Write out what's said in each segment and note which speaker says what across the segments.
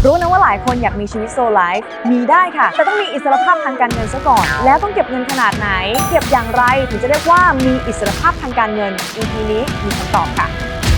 Speaker 1: รู้นะว่าหลายคนอยากมีชีวิตโซไลฟ์มีได้ค่ะแต่ต้องมีอิสรภาพทางการเงินซะก่อนแล้วต้องเก็บเงินขนาดไหนเก็บอย่างไรถึงจะเรียกว่ามีอิสรภาพทางการเงิน EP นี้มีคำตอบค่ะ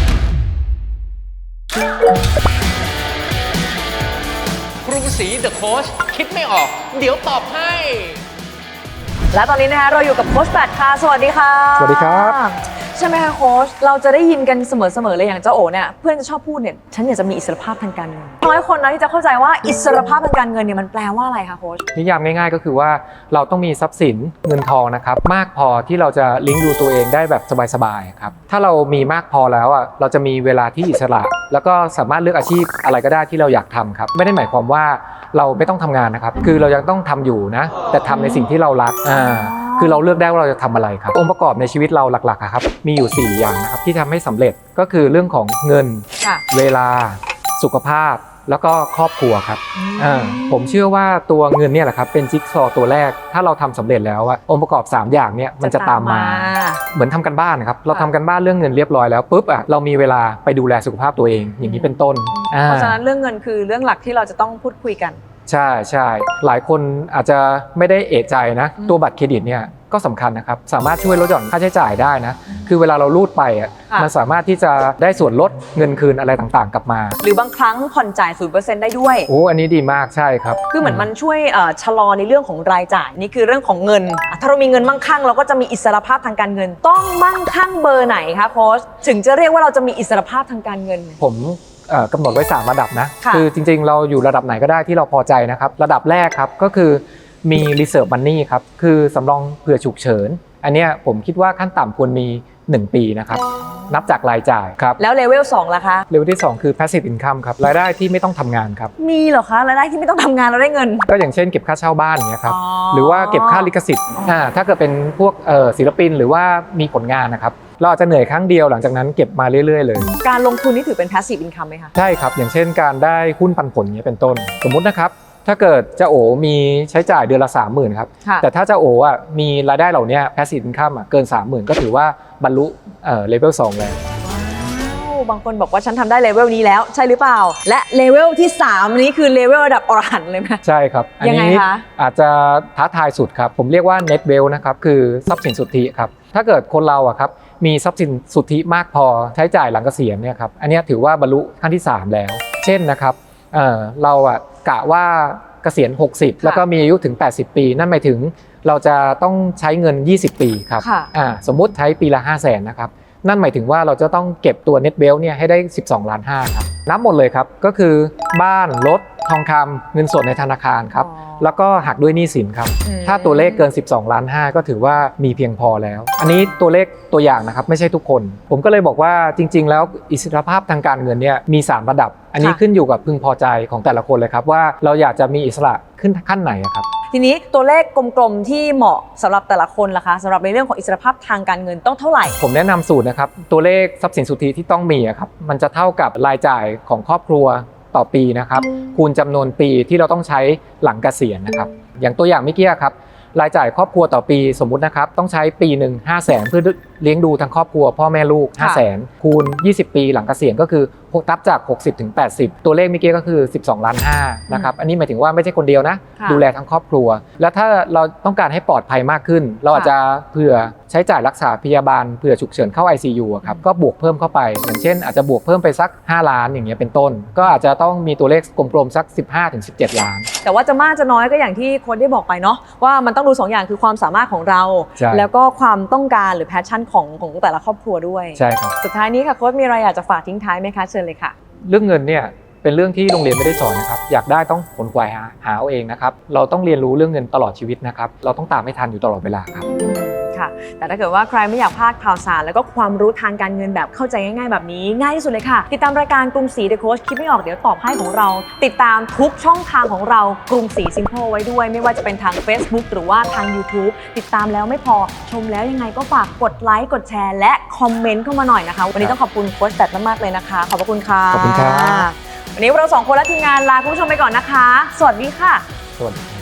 Speaker 2: กรุงศรีเดอะโค้ชคิดไม่ออกเดี๋ยวตอบให้
Speaker 1: และตอนนี้นะคะเราอยู่กับโค้ชแปดค่ะสวัสดีค่ะ
Speaker 3: สวัสดีครับ
Speaker 1: ใช่ไหมคะโค้ชเราจะได้ยินกันเสมอเลยอย่างเจ้าโอเนี่ยเพื่อนจะชอบพูดเนี่ยฉันอยากจะมีอิสรภาพทางการเงินน้อยคนนะที่จะเข้าใจว่าอิสรภาพทางการเงินเนี่ยมันแปลว่าอะไรคะโค้ช
Speaker 3: นิยามง่ายๆก็คือว่าเราต้องมีทรัพย์สินเงินทองนะครับมากพอที่เราจะเลี้ยงดูตัวเองได้แบบสบายๆครับถ้าเรามีมากพอแล้วอ่ะเราจะมีเวลาที่อิสระแล้วก็สามารถเลือกอาชีพอะไรก็ได้ที่เราอยากทำครับไม่ได้หมายความว่าเราไม่ต้องทำงานนะครับคือเรายังต้องทำอยู่นะแต่ทำในสิ่งที่เรารักคือเราเลือกได้ว่าเราจะทำอะไรครับองค์ประกอบในชีวิตเราหลักๆครับมีอยู่4อย่างนะครับที่ทำให้สำเร็จก็คือเรื่องของเงินเวลาสุขภาพแล้วก็ครอบครัวครับผมเชื่อว่าตัวเงินเนี่ยแหละครับเป็นจิ๊กซอว์ตัวแรกถ้าเราทำสำเร็จแล้วองค์ประกอบ3อย่างเนี่ยมันจะตามมาเหมือนทำกันบ้านนะครับเราทำกันบ้านเรื่องเงินเรียบร้อยแล้วปุ๊บเรามีเวลาไปดูแลสุขภาพตัวเองอย่างนี้เป็นต้น
Speaker 1: เพราะฉะนั้นเรื่องเงินคือเรื่องหลักที่เราจะต้องพูดคุยกัน
Speaker 3: ใช่หลายคนอาจจะไม่ได้เอะใจนะตัวบัตรเครดิตเนี่ยก็สำคัญนะครับสามารถช่วยลดหย่อนค่าใช้จ่ายได้นะคือเวลาเรารูดไปมันสามารถที่จะได้ส่วนลดเงินคืนอะไรต่างๆกลับมา
Speaker 1: หรือบางครั้งผ่อนจ่าย 0% ได้ด้วย
Speaker 3: อันนี้ดีมากใช่ครับ
Speaker 1: คือเหมือนมันช่วยชะลอในเรื่องของรายจ่ายนี่คือเรื่องของเงินถ้าเรามีเงินมั่งคั่งเราก็จะมีอิสรภาพทางการเงินต้องมั่งคั่งเบอร์ไหนคะโค้ชถึงจะเรียกว่าเราจะมีอิสรภาพทางการเงิน
Speaker 3: ผมกำหนดไว้3ระดับนะคือจริงๆเราอยู่ระดับไหนก็ได้ที่เราพอใจนะครับระดับแรกครับก็คือมี reserve money ครับคือสำรองเผื่อฉุกเฉินอันนี้ผมคิดว่าขั้นต่ำควรมี1ปีนะครับนับจากรายจ่ายครับ
Speaker 1: แล้วเลเวล2ล่ะคะ
Speaker 3: เลเวลที่2คือ passive income ครับรายได้ที่ไม่ต้องทำงานครับ
Speaker 1: มีเหรอคะรายได้ที่ไม่ต้องทำงานเราได้เงิน
Speaker 3: ก็อย่างเช่นเก็บค่าเช่าบ้านอย่างเงี้ยครับหรือว่าเก็บค่าลิขสิทธิ์ถ้าเกิดเป็นพวกศิลปินหรือว่ามีผลงานนะครับเราอาจจะเหนื่อยครั้งเดียวหลังจากนั้นเก็บมาเรื่อยๆเลย
Speaker 1: การลงทุนนี่ถือเป็น passive income ไหมคะ
Speaker 3: ใช่ครับอย่างเช่นการได้หุ้นปันผลนี้เป็นต้นสมมุตินะครับถ้าเกิดเจ้าโอมีใช้จ่ายเดือนละ 30,000 ครับแต่ถ้าเจ้าโอมีรายได้เหล่านี้ passive income เกิน 30,000 ก็ถือว่าบรรลุเลเวล2แล้ว
Speaker 1: บางคนบอกว่าฉันทำได้เลเวลนี้แล้วใช่หรือเปล่าและเลเวลที่3นี้คือเลเวลระดับอรหันต์เลยไหม
Speaker 3: ใช่ครับอันนี้อาจจะท้าทายสุดครับผมเรียกว่า net wealth นะครับคือทรัพย์สินสุทธิครับถ้าเกิดคนเราครับมีทรัพย์สินสุทธิมากพอใช้จ่ายหลังเกษียณเนี่ยครับอันนี้ถือว่าบรรลุขั้นที่3แล้วเช่นนะครับเรากะว่าเกษียณ60แล้วก็มีอายุถึง80ปีนั่นหมายถึงเราจะต้องใช้เงิน20ปีครับสมมุติใช้ปีละ500,000นะครับนั่นหมายถึงว่าเราจะต้องเก็บตัว net wealth เนี่ยให้ได้12.5 ล้านครับนับหมดเลยครับก็คือบ้านรถทองคำเงินสดในธนาคารครับแล้วก็หักด้วยหนี้สินครับถ้าตัวเลขเกิน12.5 ล้านก็ถือว่ามีเพียงพอแล้วอันนี้ตัวเลขตัวอย่างนะครับไม่ใช่ทุกคนผมก็เลยบอกว่าจริงๆแล้วอิสรภาพทางการเงินเนี่ยมี3ระดับอันนี้ขึ้นอยู่กับพึงพอใจของแต่ละคนเลยครับว่าเราอยากจะมีอิสระขึ้นขั้นไหนครับ
Speaker 1: ทีนี้ตัวเลขกลมๆที่เหมาะสำหรับแต่ละคนล่ะคะสำหรับในเรื่องของอิสรภาพทางการเงินต้องเท่าไหร่
Speaker 3: ผมแนะนำสูตรนะครับตัวเลขทรัพย์สินสุทธิที่ต้องมีครับมันจะเท่ากับรายจ่ายของครอบครัวต่อปีนะครับคูณจำนวนปีที่เราต้องใช้หลังเกษียณนะครับอย่างตัวอย่างเมื่อกี้ครับรายจ่ายครอบครัวต่อปีสมมุตินะครับต้องใช้ปีหนึ่ง500,000เพื่อเลี้ยงดูทั้งครอบครัวพ่อแม่ลูก500,000คูณ20ปีหลังเกษียณก็คือนับจาก60ถึง80ตัวเลขเมื่อกี้ก็คือ12.5 ล้านนะครับอันนี้หมายถึงว่าไม่ใช่คนเดียวนะดูแลทั้งครอบครัวแล้วถ้าเราต้องการให้ปลอดภัยมากขึ้นเราอาจจะเผื่อใช้จ่ายรักษาพยาบาลเผื่อฉุกเฉินเข้า ICU ครับก็บวกเพิ่มเข้าไปอย่างเช่นอาจจะบวกเพิ่มไปสัก5 ล้านอย่างเงี้ยเป็นต้นก็อาจจะต้องมีตัวเลขกลมๆสัก15ถึง17 ล้าน
Speaker 1: แต่ว่าจะมากจะน้อยก็อย่างที่โค้ชได้บอกไปเนาะว่ามันต้องดู2อย่างคือความสามารถของเราแล้วก็ความต้องการหรือแพชชั่นของแต่ละครอบครัวด้วย
Speaker 3: ใช่ครับ
Speaker 1: สุดท้ายนี้ค่ะโค้ชมีอะไรอยากจะฝากทิ้งท้ายไหมคะเชิญเลยค่ะ
Speaker 3: เรื่องเงินเนี่ยเป็นเรื่องที่โรงเรียนไม่ได้สอนนะครับอยากได้ต้องขนขวายหาเอาเองนะครับเราต้องเรียนรู้เรื่องเงินตลอดชีวิตนะครับเราต้องตามให้ทันอยู่ตลอดเวลาครับ
Speaker 1: ค่ะแต่ถ้าเกิดว่าใครไม่อยากพลาดข่าวสารแล้วก็ความรู้ทางการเงินแบบเข้าใจง่ายๆแบบนี้ง่ายที่สุดเลยค่ะติดตามรายการกรุงศรี The Coach คิดไม่ออกเดี๋ยวตอบให้ของเราติดตามทุกช่องทางของเรากรุงศรี Simple ไว้ด้วยไม่ว่าจะเป็นทาง Facebook หรือว่าทาง YouTube ติดตามแล้วไม่พอชมแล้วยังไงก็ฝากกดไลค์กดแชร์และคอมเมนต์เข้ามาหน่อยนะคะวันนี้ต้องขอบคุณโค้ชแบทมากๆเลยนะคะขอบคุณค่ะ
Speaker 3: ขอบคุณครับ
Speaker 1: วันนี้เรา2 คนและทีมงานลาคุณผู้ชมไปก่อนนะคะสวัสดีค่ะ
Speaker 3: สวัสดี